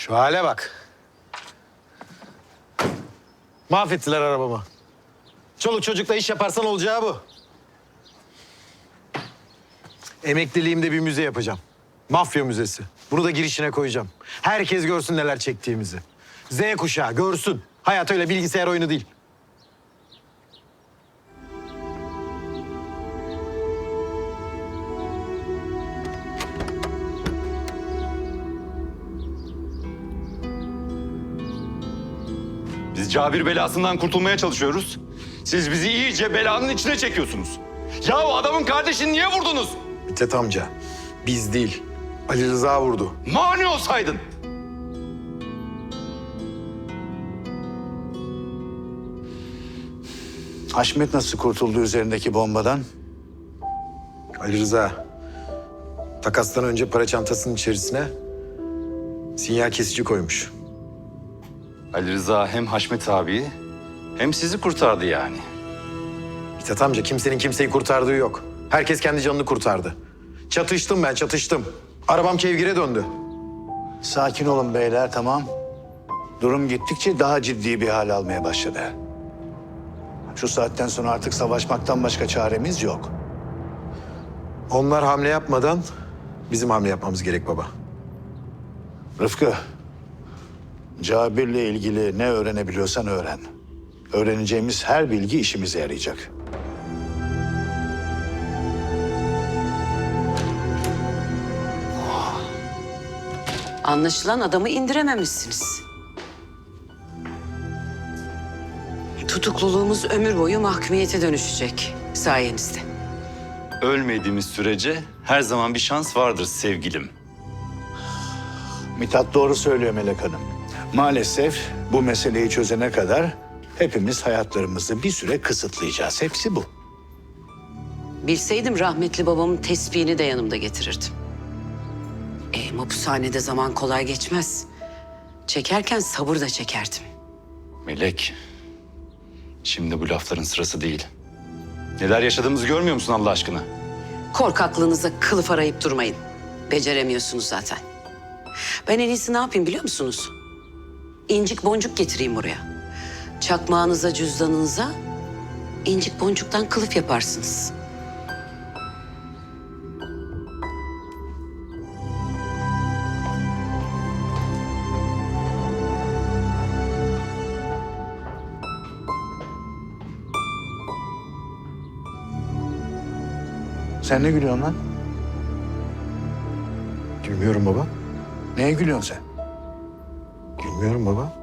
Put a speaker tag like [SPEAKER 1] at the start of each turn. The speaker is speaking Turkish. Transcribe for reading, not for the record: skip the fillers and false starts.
[SPEAKER 1] Şu hale bak. Mahvettiler arabamı. Çoluk çocukla iş yaparsan olacağı bu. Emekliliğimde bir müze yapacağım. Mafya müzesi. Bunu da girişine koyacağım. Herkes görsün neler çektiğimizi. Z kuşağı görsün. Hayat öyle bilgisayar oyunu değil.
[SPEAKER 2] Biz Cabir belasından kurtulmaya çalışıyoruz. Siz bizi iyice belanın içine çekiyorsunuz. Ya o adamın kardeşini niye vurdunuz?
[SPEAKER 1] Mithat amca, biz değil. Ali Rıza vurdu.
[SPEAKER 2] Mani olsaydın.
[SPEAKER 3] Haşmet nasıl kurtuldu üzerindeki bombadan?
[SPEAKER 1] Ali Rıza, takastan önce para çantasının içerisine sinyal kesici koymuş.
[SPEAKER 2] Ali Rıza hem Haşmet abiyi hem sizi kurtardı yani.
[SPEAKER 1] Mithat amca, kimsenin kimseyi kurtardığı yok. Herkes kendi canını kurtardı. Çatıştım ben, çatıştım. Arabam kevgire döndü.
[SPEAKER 3] Sakin olun beyler, tamam. Durum gittikçe daha ciddi bir hal almaya başladı. Şu saatten sonra artık savaşmaktan başka çaremiz yok.
[SPEAKER 1] Onlar hamle yapmadan bizim hamle yapmamız gerek baba.
[SPEAKER 3] Rıfkı, Cabir'le ilgili ne öğrenebiliyorsan öğren. Öğreneceğimiz her bilgi işimize yarayacak.
[SPEAKER 4] Anlaşılan adamı indirememişsiniz. Tutukluluğumuz ömür boyu mahkumiyete dönüşecek sayenizde.
[SPEAKER 2] Ölmediğimiz sürece her zaman bir şans vardır sevgilim.
[SPEAKER 3] Mithat doğru söylüyor Melek Hanım. Maalesef bu meseleyi çözene kadar hepimiz hayatlarımızı bir süre kısıtlayacağız. Hepsi bu.
[SPEAKER 4] Bilseydim rahmetli babamın tespihini de yanımda getirirdim. Mapushanede zaman kolay geçmez. Çekerken sabır da çekerdim.
[SPEAKER 2] Melek, şimdi bu lafların sırası değil. Neler yaşadığımızı görmüyor musun Allah aşkına?
[SPEAKER 4] Korkaklığınıza kılıf arayıp durmayın. Beceremiyorsunuz zaten. Ben en iyisi ne yapayım biliyor musunuz? İncik boncuk getireyim buraya. Çakmağınıza, cüzdanınıza incik boncuktan kılıf yaparsınız.
[SPEAKER 3] Sen ne gülüyorsun lan?
[SPEAKER 1] Gülmüyorum baba.
[SPEAKER 3] Neye gülüyorsun sen?
[SPEAKER 1] Gülmüyorum baba.